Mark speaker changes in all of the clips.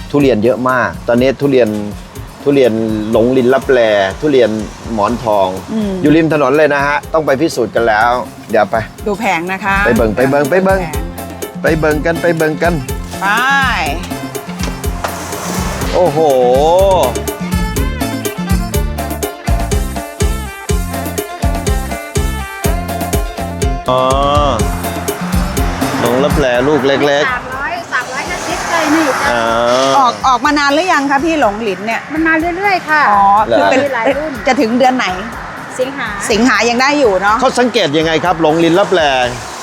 Speaker 1: ทุเรียนเยอะมาก ตอนนี้ทุเรียนหลงลินลับแลทุเรียนหมอนทองอยู่ริมถนนเลยนะฮะต้องไปพิสูจน์กันแล้ว เดี๋ยวไป
Speaker 2: ดูแผงนะคะ
Speaker 1: ไปเบิ่งกันไปเบิ่งกัน
Speaker 2: ไป
Speaker 1: โอ้โหอ๋อหลงลับแลลูกเล็กๆ
Speaker 3: 350เลยนี่
Speaker 2: ออกมานานหรือยังคะพี่หลงหลินเนี่ย
Speaker 3: มันมาเรื่อยๆค่ะ
Speaker 2: อ๋อคือเป็นจะถึงเดือนไหนสิงหายังได้อยู่เนาะ
Speaker 1: เขาสังเกตยังไงครับหลงลินลับแล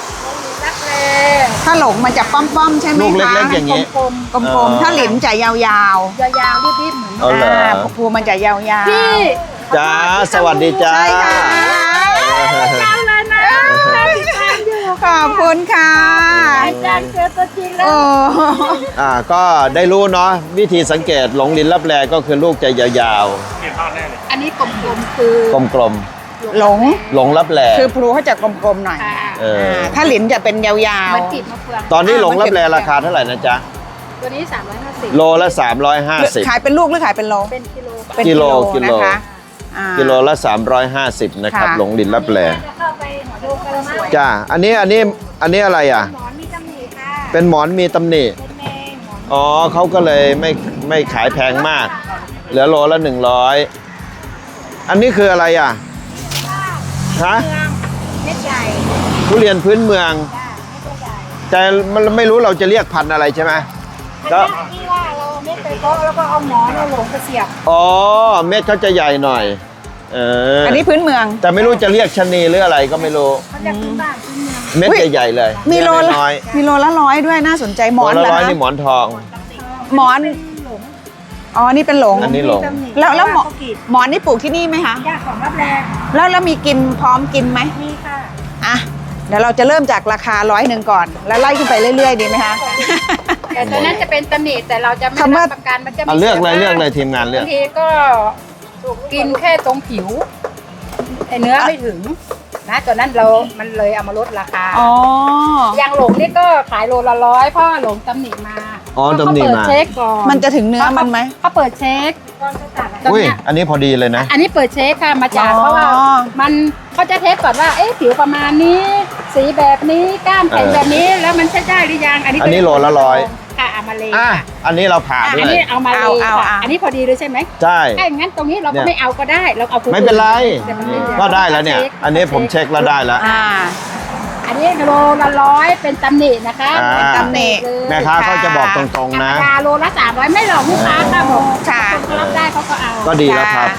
Speaker 2: ถ้าหลงมันจะป้อมๆใช่ไหมคะ
Speaker 1: ลูกเล็กๆอย่างนี้
Speaker 2: กลมๆถ้าหลินจะยาว
Speaker 3: ๆรีบๆเหมือน
Speaker 2: ภูมันจะยาวๆ
Speaker 3: พี่
Speaker 1: จ้าสวัสดีจ้า
Speaker 2: ใช่ค่ะ
Speaker 3: เลยนะ
Speaker 2: ขอบคุณค่ะ
Speaker 3: อาจารย์เจอตัวจริงแล้ว
Speaker 1: ก็ได้รู้เนาะวิธีสังเกตหลงลินลับแลก็คือลูกจะยาว
Speaker 3: ๆอันนี้กลมๆคือก
Speaker 1: ลม
Speaker 2: หลง
Speaker 1: ลับแล
Speaker 2: คือพลูเขาจะกลมๆหน่อยถ้าหลินจะเป็นยาว
Speaker 1: ๆตอนนี้หลงลับแลราคาเท่าไหร่นะจ๊ะ
Speaker 3: ตัวนี้350
Speaker 1: โลละ350
Speaker 2: ขายเป็นลูกหรือขายเป็นโล
Speaker 3: เป็น
Speaker 1: กิโล
Speaker 2: นะคะ
Speaker 1: กิโลละ350นะครับหลงลินลับแลจ้าอันนี้อะไรอ่ะ
Speaker 3: หมอนมีตำหนิค่ะ
Speaker 1: เป็นหมอนมีตำหนิอ๋อเขาก็เลยไม่ขายแพงมากเหลือโลละ100อันนี้คืออะไรอ่ะฮะ
Speaker 3: เม็ดใหญ่
Speaker 1: ทุเรียนพื้นเมืองแต่มันไม่รู้เราจะเรียกพันธุ์อะไรใช่ไหม
Speaker 3: ก็ที่ว่าเราเม็ดไปโต๊ะแล้วก็เอาหมอนเอาหลงกระเสียบ
Speaker 1: อ๋อเม็ดเขาจะใหญ่หน่อย
Speaker 2: อันนี้พื้นเมือง
Speaker 1: แต่ไม่รู้จะเรียกชะนีหรืออะไรก็ไม่รู้
Speaker 3: เขาจะพื้นบ้านพื้นเมือง
Speaker 1: เม็ดใหญ่ๆเลย
Speaker 2: มีโลละ100ด้วยน่าสนใจหมอน
Speaker 1: ละ100นี่หมอนทอง
Speaker 2: หมอนอ๋อนี่เป็นหลง
Speaker 1: อันนี้หลง
Speaker 2: แล้วหมอนนี่ปลูกที่นี่ไหมคะ
Speaker 3: ยากของรับแรง
Speaker 2: แล้วมีกินพร้อมกินไหม
Speaker 3: มีค่ะ
Speaker 2: เดี๋ยวเราจะเริ่มจากราคา100ก่อนแล้วไล่ขึ้นไปเรื่อยๆดีไหมคะ
Speaker 3: แต่ตัวนั้นจะเป็นตำหนิแต่เราจะไม่รับประกันมันจะ
Speaker 1: เลือกเลยทีมงานเลือก
Speaker 3: บางทีก็กินแค่ตรงผิวเนื้อไม่ถึงนะตัวนั้นมันเลยเอามาลดราคาอย่างหลงนี่ก็ขายโลละ100เพราะหลงตำหนิมา
Speaker 1: ตำหนิมา
Speaker 3: เช็คก่อน
Speaker 2: มันจะถึงเนื้อมันไหม
Speaker 3: เขาเปิดเช็ค
Speaker 1: อุ้ยอันนี้พอดีเลยนะ
Speaker 3: อันนี้เปิดเช็คค่ะมาจากเพราะว่ามันเขาจะเทสก่อนว่าผิวประมาณนี้สีแบบนี้ก้านแข็งแบบนี้แล้วมันใช้ได้หรือยัง
Speaker 1: อันนี้โลละ100
Speaker 3: ค่ะเอามาเลย
Speaker 1: อันนี้เราผ่าด้วย
Speaker 3: อันนี้เอามาเลยค่ะอันนี้พอดีเลยใช่ไหม
Speaker 1: ใช่
Speaker 3: ถ้าอย่างนั้นตรงนี้เราก็ไม่เอาก็ได้เราเอา
Speaker 1: ไม่เป็นไรก็ได้แล้วเนี่ยอันนี้ผมเช็คแล้วได้แล้ว
Speaker 3: อันนี้โลละ100เป็นตำหนินะคะ
Speaker 2: เป็นตำหนิ
Speaker 1: แม่ค้าเขาจะบอกตรงๆนะ
Speaker 3: โลละ300ไม่หลอกลูกค้าค่ะผมเขารับได้เขาก็เอา
Speaker 1: ก็ดีแล้วครับ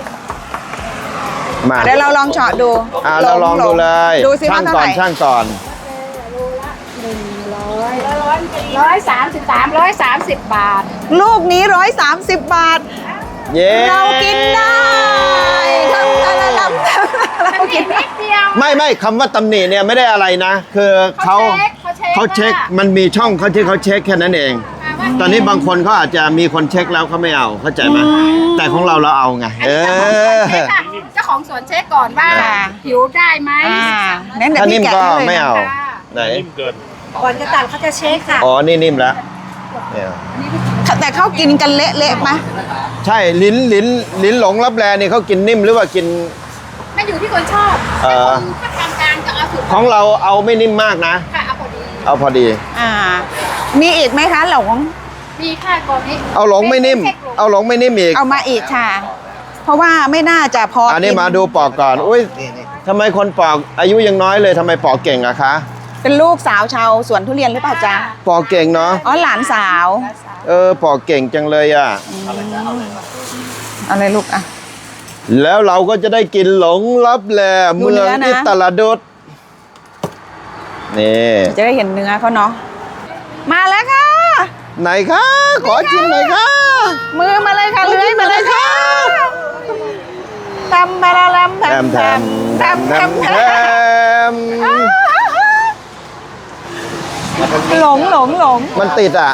Speaker 2: มาเดี๋ยวเราลองเฉาะดู
Speaker 1: เราลองดูเลยช่างก่อน
Speaker 3: 130 บาท
Speaker 2: ลูกนี้130 บาทเรากินได้
Speaker 3: เรากินนิดเดียว
Speaker 1: ไม่คำว่าตำหนิเนี่ยไม่ได้อะไรนะคือเขาเช็คมันมีช่องเขาที่เขาเช็คแค่นั้นเองตอนนี้บางคนเขาอาจจะมีคนเช็คแล้วเขาไม่เอาเข้าใจไหมแต่ของเราเอาไง
Speaker 3: เจ้าของสวนเช็คก่อนว่าผิวได้ไหม
Speaker 1: ถ้านิ่มก็ไม่เอาไหน
Speaker 3: ก่อนจะตัดเขาจะเช็คค่ะ
Speaker 1: อ๋อนี่นิ่มแล้ว
Speaker 2: แต่เขากินกันเละๆไหม
Speaker 1: ใช่ลิ้นหลงลับแลนี่เขากินนิ่มหรือว่ากิน
Speaker 3: ไม่อยู่ที่คนชอบถ้ากลางก็เอาสุด
Speaker 1: ของเราเอาไม่นิ่มมากนะ
Speaker 3: ค่ะ
Speaker 1: เอาพอดี
Speaker 2: มีอีกไหมคะหลง
Speaker 3: มีค่ะก่อนนี้
Speaker 1: เอาหลงไม่นิ่มอีก
Speaker 2: เอามาอีกค่ะเพราะว่าไม่น่าจะพอ
Speaker 1: อันนี้มาดูปอกก่อนอุ้ยทำไมคนปอกอายุยังน้อยเลยทำไมปอกเก่งอะคะ
Speaker 2: เป็นลูกสาวชาวสวนทุเรียนหรือเปล่าจ๊ะ
Speaker 1: ปอกเก่งเนาะ
Speaker 2: หลานสาว
Speaker 1: ปอกเก่งจังเลยอะ
Speaker 2: อะไรลูกอะ
Speaker 1: แล้วเราก็จะได้กินหลงลับแลเมืองอิตาลาดุษนี่
Speaker 2: จะได้เห็นเนื้อเขาเนาะมาแล้วค่ะ
Speaker 1: ไหนคะขอชิมหน่อยค่ะ
Speaker 2: มือมาเลยค่ะเลื้อยมาเลยค่ะทำมาลำหลง
Speaker 1: มันติดอ่ะ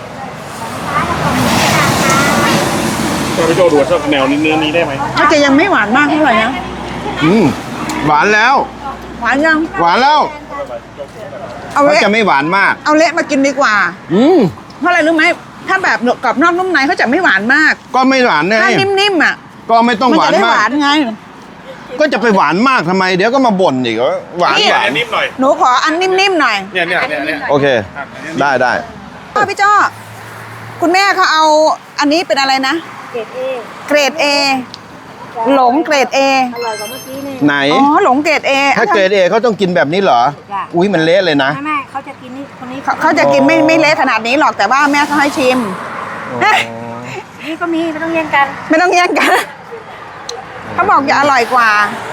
Speaker 4: พี่โจดูสักแนวเนื้อนี้ได้ไหม
Speaker 2: เขาจะยังไม่หวานมากเท่าไหร่นะ
Speaker 1: หวานแล้ว
Speaker 2: หวานยัง
Speaker 1: หวานแล้วเขาจะไม่หวานมาก
Speaker 2: เอาเละมากินดีกว่าเพราะอะไรรู้ไหมถ้าแบบกรอบนอกนุ่มในเขาจะไม่หวานมาก
Speaker 1: ก็ไม่หวานไง
Speaker 2: ถ้านิ่มๆอ่ะ
Speaker 1: ก็ไม่ต้อง
Speaker 2: มัน
Speaker 1: หวา
Speaker 2: จะ
Speaker 1: น
Speaker 2: ได้ห
Speaker 1: มาว
Speaker 2: าก นไง
Speaker 1: ก็จะไปหวานมากทำไม เดี๋ยวก็มาบ่นอีกว่าหวาน
Speaker 2: นี่
Speaker 1: หวาน
Speaker 4: นิ่มหน่อย
Speaker 2: หนูขออันนิ่มๆหน่อย
Speaker 4: เนี่ย
Speaker 1: โอเค ได้ได้
Speaker 2: พี่จ้อคุณแม่เขาเอาอันนี้เป็นอะไรนะ
Speaker 3: เกรดเอ
Speaker 2: เกรด A หลงเกรด A
Speaker 3: อร่อยกว่าเมื่อกี้นี่
Speaker 1: ไหน
Speaker 2: อ๋อหลงเกรด A
Speaker 1: ถ้าเกรดเอเขาต้องกินแบบนี้เหรอ
Speaker 3: จ้ะ
Speaker 1: อุ้ยมันเละเลยนะ
Speaker 3: แม่เขาจะกินนี่คนนี้
Speaker 2: เขาจะกินไม่เละขนาดนี้หรอกแต่ว่าแม่เขาให้ชิม
Speaker 3: นี่ก็มีไม่ต้องแย่งกัน
Speaker 2: ไม่ต้องแย่งกันเขาบอกจะอร่อยกว่า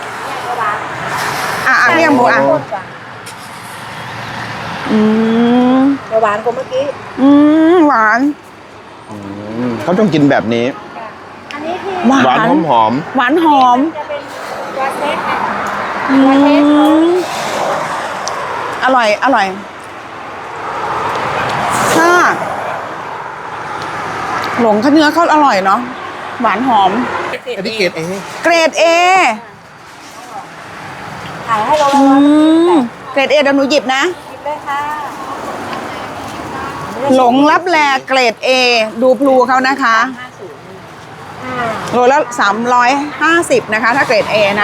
Speaker 2: พี่ยังบูอ่ะอืม
Speaker 3: หวานกว่าเมื่อกี้
Speaker 2: หวาน
Speaker 1: เขาต้องกินแบบนี้
Speaker 3: อันนี้ที่
Speaker 2: หวา
Speaker 1: หวาน
Speaker 2: น
Speaker 1: หอม
Speaker 2: หวานหอม
Speaker 3: จะเป็นตัวเทสค่ะ
Speaker 2: อืมอร่อยค่ะหลงเขาเนื้อเขาอร่อยเนาะหวานหอม
Speaker 1: อันนี้เกรดเอ
Speaker 2: เกรด A
Speaker 3: ขายให้เรา
Speaker 2: อืมเกรด A เดี๋ยวหนูหยิบนะ
Speaker 3: คิดได้ค่ะ
Speaker 2: หลงรับแลเกรด A ดูพลูเขานะคะโลละ350นะคะ ถ้าเกรด A นะ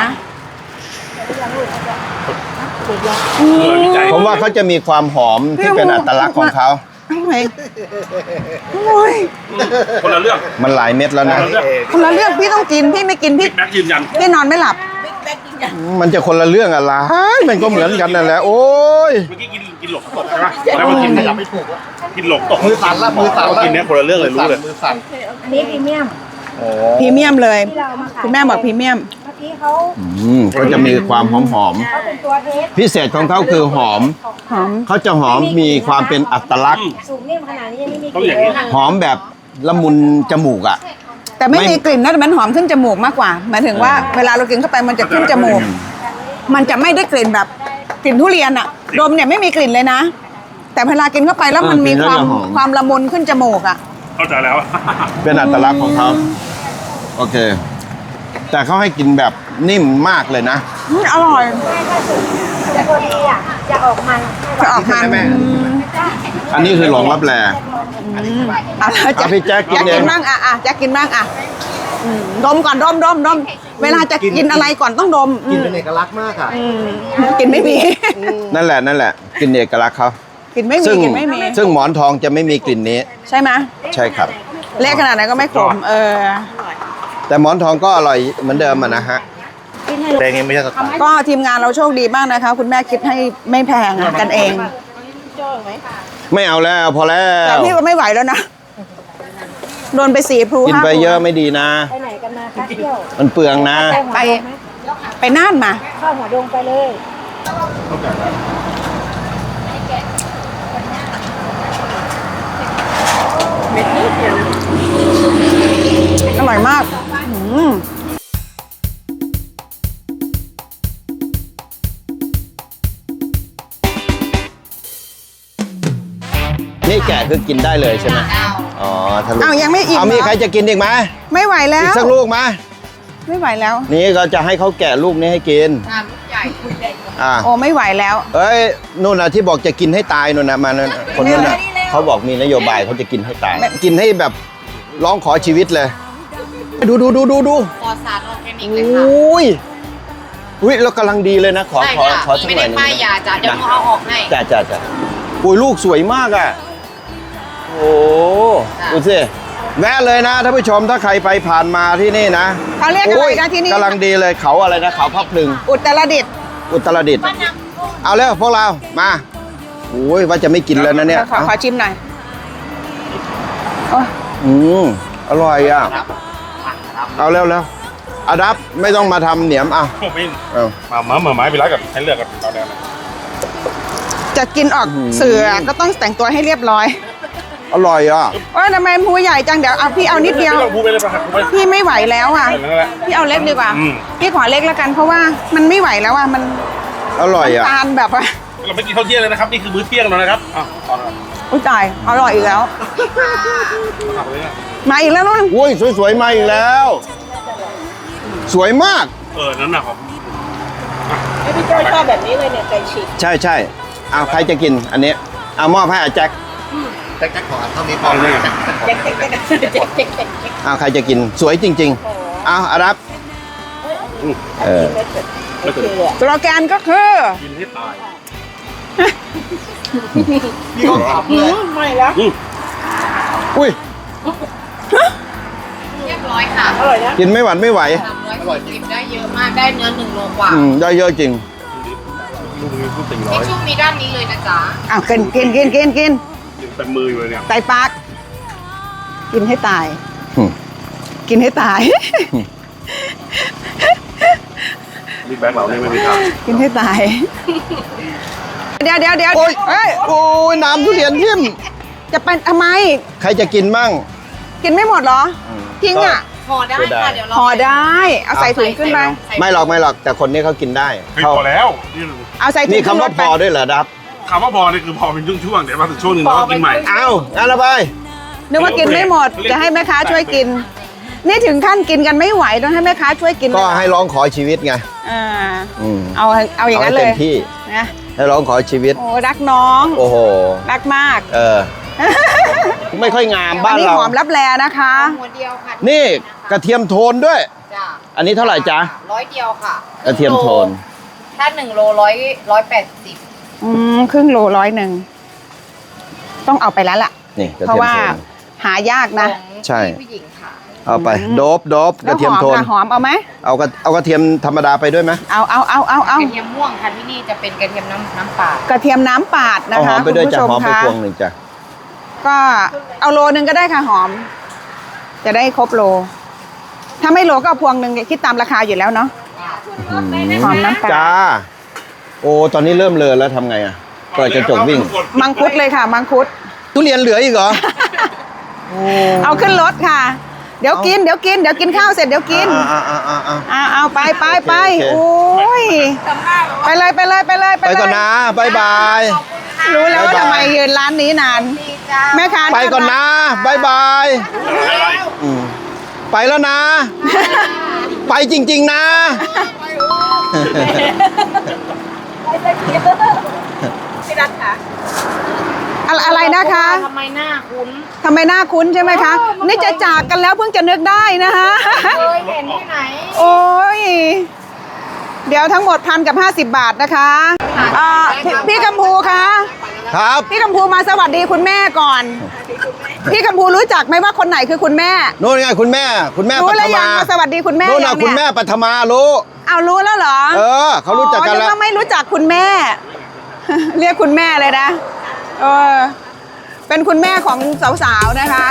Speaker 1: ผมว่าเขาจะมีความหอมที่เป็นอัตลักษณ์ของเขา
Speaker 2: อร่อยโอ้ย
Speaker 4: คนละเรื่อง
Speaker 1: มันหลายเม็ดแล้วนะ
Speaker 2: คนละเรื่องพี่ต้องกินพี่ไม่กินพี่
Speaker 4: แม็กยืนยัน
Speaker 2: พี่นอนไม่หลับ
Speaker 1: มันจะคนละเรื่องอะไรมันก็เหมือนกันนั่นแหละโอ้ย
Speaker 4: เมื่อกี้กินหลกตกใช่ไหมแล้วมากินขยับไม่ถูกกินหลกตกมือสั่นละกินเนี้ยคนละเรื่องเลยรู้เลย
Speaker 3: อันนี้พรีเมียม
Speaker 2: พรีเมียมเลย
Speaker 3: ที่เรามาขาย
Speaker 2: คุณแม่บอกพรีเมียม
Speaker 3: เมื่อกี้เขา
Speaker 1: ก็จะมีความหอม
Speaker 3: เขาเป็นตัวเทส
Speaker 1: ๆพิเศษของเขาคือหอม
Speaker 2: หอม
Speaker 1: เขาจะหอมมีความเป็นอัตลักษณ์
Speaker 3: สูงนิ่มขนาดนี้ยังไม่มีก
Speaker 4: ต้อง
Speaker 3: ลิ่
Speaker 4: อน ย่าง
Speaker 3: เล
Speaker 4: นี้
Speaker 3: ย
Speaker 1: หอมแบบละมุนจมูกอ่ะ
Speaker 2: แต่ไม่
Speaker 1: ไม่
Speaker 2: มีกลิ่นนะแต่มันหอมขึ้นจมูกมากกว่าหมายถึงว่าเวลาเรากินเข้าไปมันจะขึ้นจมูก มันจะไม่ได้กลิ่นแบบกลิ่นทุเรียนอะดมเนี่ยไม่มีกลิ่นเลยนะ แต่เวลากินเข้าไปแล้วมันมีความละมุนขึ้นจมูกอะ
Speaker 4: เข้าใจแล้ว
Speaker 1: เป็นอัตลักษณ์ของเขาโอเค แต่เขาให้กินแบบนิ่มมากเลยนะ
Speaker 2: อร่อย
Speaker 3: จะพอดีอ่ะจะออกมัน
Speaker 2: จะออกมัน
Speaker 1: อันนี้คือหลงรับแล
Speaker 2: เอาละ
Speaker 1: เอาพี่แจ๊คกิน
Speaker 2: แจ๊ค
Speaker 1: เอง
Speaker 2: กินบ้างอะแจ๊คกินบ้างอะดมก่อนดมเวลาจะกินอะไรก่อนต้องดม
Speaker 5: กินเป็นเอกลักษณ์มากอ่ะ
Speaker 2: กินไม่มี
Speaker 1: นั่นแหละกินเอกลักษณ์เขา
Speaker 2: กินไม่มี
Speaker 1: ซึ่ง
Speaker 2: กินไม่มี
Speaker 1: ซึ่งหมอนทองจะไม่มีกลิ่นนี้
Speaker 2: ใช่ไหม
Speaker 1: ใช่ครับ
Speaker 2: เละขนาดไหนก็ไม่ขม
Speaker 1: แต่หมอนทองก็อร่อยเหมือนเดิมอะนะฮะ
Speaker 5: แดงเองไม่ใช่สไตล์
Speaker 2: ก็ทีมงานเราโชคดีมากนะคะ คุณแม่คิดให้ไม่แพงอะกันเอง
Speaker 1: ไม่เอาแล้วพอแล้
Speaker 2: แต่
Speaker 1: ว
Speaker 2: พี่ก็ไม่ไหวแล้วนะโดนไป4 พลู
Speaker 1: กิน
Speaker 2: 5
Speaker 1: ไป
Speaker 2: พลู
Speaker 1: เยอะไม่ดีนะ
Speaker 3: ไปไหนกันมาคะเที่ยว
Speaker 1: มันเปลืองนะ
Speaker 2: ไปน่านมา
Speaker 3: เข้าหัวดงไปเลย
Speaker 2: อร่อยมาก
Speaker 1: นี่แกะคือกินได้เลยใช่ไหมอ๋อทะลุ
Speaker 2: อ้าวยังไม่อิ่ม
Speaker 1: เอามี
Speaker 2: เหรอ
Speaker 1: ใครจะกินอีกไหม
Speaker 2: ไม่ไหวแล้
Speaker 1: อีก
Speaker 2: ว
Speaker 1: สักลูกไหม
Speaker 2: ไม่ไหวแล้ว
Speaker 1: นี่ก็จะให้เขาแกะลูกนี้ให้กินอ่า
Speaker 2: โอ้ไม่ไหวแล้ว
Speaker 1: เอ้ยนู่นน่ะที่บอกจะกินให้ตายนู่นนะมานั่นน่ะคนนั้นน่ะเขาบอกมีนโยบายเขาจะกินให้ตาย กินให้แบบร้องขอชีวิตเลย ดูปลอดสารออร์แกนิกเลยค่ะอุ้ยเรากำลังดีเลยนะ ขอสักหน่อยหนึง
Speaker 6: ไม่ได้ป้ายยาจ้ะเดี๋ยวหนูเอาออกให้
Speaker 1: จ้าอุ้ยลูกสวยมากอ่ะโอ้ดูสิแวะเลยนะท่านผู้ชมถ้าใครไปผ่านมาที่นี่นะ
Speaker 2: เขาเรียกอะไรนะที่นี่
Speaker 1: กำลังดีเลยเขาอะไรนะเขาพับพลึง
Speaker 2: อุตรดิตถ์
Speaker 1: อุตรดิตถ์เอาแล้วพวกเรามาโอ้ยว่าจะไม่กินแล้วนะเนี่ย
Speaker 2: ขอชิมหน่อยโอ้ย
Speaker 1: อร่อยอ่ะเอาแล้วอาดับไม่ต้องมาทำเหนียมเอา
Speaker 4: ไม่
Speaker 1: เอา
Speaker 4: มาไม้ไปแล้วกับให้เลือกกับเราแดง
Speaker 2: จะกินออกเสือก็ต้องแต่งตัวให้เรียบร้อย
Speaker 1: อร่อยอ่ะ
Speaker 2: โอ้ยทำไมพูใหญ่จังเดี๋ยวเอาพี่เอานิดเดียว
Speaker 4: พูดไปเลยป่ะครับพูดไป
Speaker 2: พี่ไม่ไหวแล้วอ่ะ
Speaker 4: นั่นแหละ
Speaker 2: พี่เอาเล็กดีกว่า
Speaker 4: อืม
Speaker 2: พี่ขอเล็กแล้วกันเพราะว่ามันไม่ไหวแล้วอ่ะมัน
Speaker 1: อร่อยอ่ะ
Speaker 2: ตาลแบบว่า
Speaker 4: เราไม่กินข้าวเที่ยงเลยนะครับนี่คือมื้อเที่ยงแล้วนะครับอ่ะตอนนั้น
Speaker 2: อุ้ยตายอร่อยอีกแล้ว
Speaker 4: ขับเลยนะ
Speaker 2: มาอีกแล้วนุ่น
Speaker 1: อุ้ยสวยๆมาอีกแล้ว สวยมาก
Speaker 4: นั่นน่ะของ
Speaker 2: พี่โจ้ชอบแบบนี้เลยเนี่ยไก่ฉีก
Speaker 1: ใช่เอาใครจะกินอันนี้เอามอบให้อาแจ็ค
Speaker 5: แจ็คขอเท่านี้พอ
Speaker 3: เจ๊กเจ๊กเจ๊กเจ๊กเจ๊กเจ๊ก
Speaker 1: อ้าวใครจะกินสวยจริงๆอ้าวอารับเออ
Speaker 2: สโลแกนก็คือ
Speaker 4: กินให้ตาย
Speaker 5: พี่ก็ขำเลย
Speaker 3: ไม่แล้ว
Speaker 1: อุ้ย
Speaker 6: เรียบร้อยค่ะ
Speaker 3: อร่อยนะ
Speaker 1: กินไม่หวัดไม่ไหว
Speaker 6: 340ได้เยอะมาก ได้เนื้อ1 โลกว่า
Speaker 1: ได้เยอะจริง
Speaker 4: ลูกนี้พูด400
Speaker 6: ทิชชู่มีด้านนี้เลยนะจ๊ะ
Speaker 2: อ้าวกิน
Speaker 4: ยังเต็มมืออยู่เลยเนี่ย
Speaker 2: ไตปากกินให้ตาย
Speaker 1: อืม
Speaker 2: กินให้ตาย
Speaker 4: นี่แบงค์เราเนี่ยไม่มีทาง
Speaker 2: กินให้ตาย เดี๋ยว
Speaker 1: โอ้ย
Speaker 2: เอ้ย
Speaker 1: โอ้ยน้ำทุเรียนทิ่ม
Speaker 2: จะไปทำไม
Speaker 1: ใครจะกินมั่ง
Speaker 2: กินไม่หมดเหรอ ทิ้งอ่ะ
Speaker 6: ห่อได้ค่ะ เดี๋ยวเรา
Speaker 2: ห่อได้ เอาใส่ถุงขึ้นไป
Speaker 1: ไม่หรอกแต่คนนี้เขากินได้
Speaker 4: เฮ้ยพอแล้วนี่
Speaker 2: เอาใส่ถุ
Speaker 1: นี่
Speaker 2: งขึ้น
Speaker 1: คำ
Speaker 2: ร
Speaker 1: ว่า
Speaker 2: ถ
Speaker 1: พ
Speaker 2: ไป
Speaker 1: อด้วยเหรอดับ
Speaker 4: คำว่าพอนี่คือพอเป็นช่วงๆเดี๋ยวมาถึงช่วงหนึ่งเราก็กินใหม่
Speaker 1: อ้าวงั้นละไป
Speaker 2: นึกว่ากินไม่หมด จะให้แม่ค้าช่วยกิน นี่ถึงขั้นกินกันไม่ไหวต้องให้แม่ค้าช่วยกิน
Speaker 1: ก็ให้ร้องขอชีวิตไง
Speaker 2: อ่า
Speaker 1: อืม
Speaker 2: เอาอย่างนั้นเล
Speaker 1: ให้
Speaker 2: ย
Speaker 1: เต็มที่
Speaker 2: นะ
Speaker 1: ให้ร้องขอชีวิต
Speaker 2: โอ้รักน้อง
Speaker 1: โอ้โห
Speaker 2: รักมาก
Speaker 1: เออ ไม่ค่อยงามบ้าน
Speaker 2: อันนี้
Speaker 1: เรา
Speaker 2: หอมรับแลนะคะ
Speaker 6: หัวเดียวค่ะ
Speaker 1: นี่กระเทียมโทนด้วย
Speaker 6: จ้ะ
Speaker 1: อันนี้เท่าไหร่จ๊ะ
Speaker 6: 100 เดียวค่ะ
Speaker 1: กระเทียมโทน
Speaker 6: ถ้า1 โล180
Speaker 2: ครึ่งโล100ต้องเอาไปแล้วล่ะ
Speaker 1: นี่กระ
Speaker 2: เพราะ
Speaker 1: เทียม
Speaker 2: ว่า
Speaker 1: โทน
Speaker 2: หายากนะ
Speaker 6: ของ
Speaker 1: ใช่
Speaker 6: ผู้หญิงค่ะ
Speaker 1: เอาไปโดบกระเทียมโทน
Speaker 2: แล้วหอมเอาไหม
Speaker 1: เอากระเทียมธรรมดาไปด้วยไหม
Speaker 2: เอา
Speaker 6: กระเทียมม่วงค่ะที่นี่จะเป็นกระเทียมน้ำปลาก
Speaker 2: ระเทียมน้ำปาดนะ
Speaker 1: เอาหอ
Speaker 2: คะ
Speaker 1: มไปด้วย
Speaker 2: คุณ
Speaker 1: จ้ะ
Speaker 2: ผู้ช
Speaker 1: หอมไป
Speaker 2: คะ
Speaker 1: พวงหนึ่งจ้ะ
Speaker 2: ก็เอาโลนึงก็ได้ค่ะหอม จะได้ครบโล ถ้าไม่โลก็เอาพวงหนึ่งคิดตามราคาอยู่แล้วเนาะหอมน้ำปลา
Speaker 1: จ้า โอ้ตอนนี้เริ่มเลอะแล้วทำไงอ่ะเปิดกระจกวิ่ง
Speaker 2: มังคุดเลยค่ะ มังคุด
Speaker 1: ทุเรียนเหลืออีกเหรอ
Speaker 2: เอาขึ้นรถค่ะ เดี๋ยวกินข้าวเสร็จเดี๋ยวกิน เอาไป
Speaker 1: โอเค
Speaker 2: โอ้ยไปเลย
Speaker 1: ไปก่อนนะบายบาย
Speaker 2: รู้แล้วว่า
Speaker 1: บ๊ายบาย
Speaker 2: ทำไมยืนร้านนี้นานแม่ค้า
Speaker 1: ไปก่อนนะบายบายอืมไปแล้วนะ ไปจริง ๆ นะ
Speaker 2: อะไรนะคะ
Speaker 6: ทำไมหน้าคุ้น
Speaker 2: ทำไมหน้าคุ้นใช่ไหมคะ นี่จะจากกันแล้วเพิ่งจะนึกได้นะคะ
Speaker 6: เคยเห็นที่ไหน
Speaker 2: โอ้ย เดี๋ยวทั้งหมด1,050 บาทนะคะพี่กัมพูคะ
Speaker 1: ครับ
Speaker 2: พี่กัมพูมาสวัสดีคุณแม่ก่อน พี่กัมพูรู้จักไหมว่าคนไหนคือคุณแม่
Speaker 1: นู่นไงคุณแม่
Speaker 2: รู้
Speaker 1: ปั
Speaker 2: แล้ว
Speaker 1: ท
Speaker 2: ยัง
Speaker 1: มา
Speaker 2: มาสวัสดีคุณแม่
Speaker 1: นู่น
Speaker 2: ยั
Speaker 1: น่ะ
Speaker 2: ง
Speaker 1: คุณ
Speaker 2: เนี่
Speaker 1: แม่
Speaker 2: ย
Speaker 1: ปัทมารู้
Speaker 2: เอารู้แล้วเหรอ
Speaker 1: เขารู้จักกันแล้ว
Speaker 2: นึว่าไม่รู้จักคุณแม่ เรียกคุณแม่เลยนะเป็นคุณแม่ของสาวๆนะคะ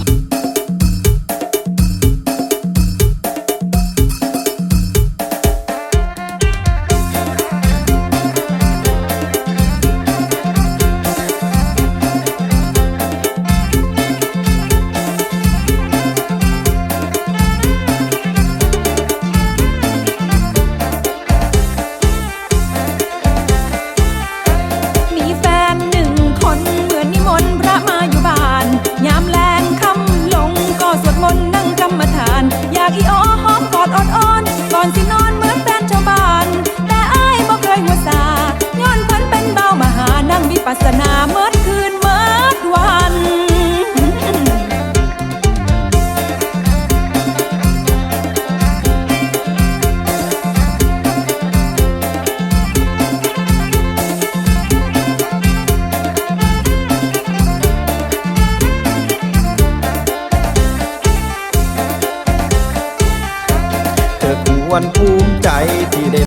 Speaker 7: มีแฟน1 คนเหมือนนิมนต์พระมาอยู่บ้าน ยามแลงค่ำลงก็สวดมนต์นั่งกรรมฐาน อยากอีอ้อหอมกอดอดอ้อนก่อนสินอนเหมือนแฟนชาวบ้าน แต่อ้ายบ่เคยหัวซาย้อนเพันเป็นเบามหานั่งวิปัสสนาเมื่อคืนเมื่อวัน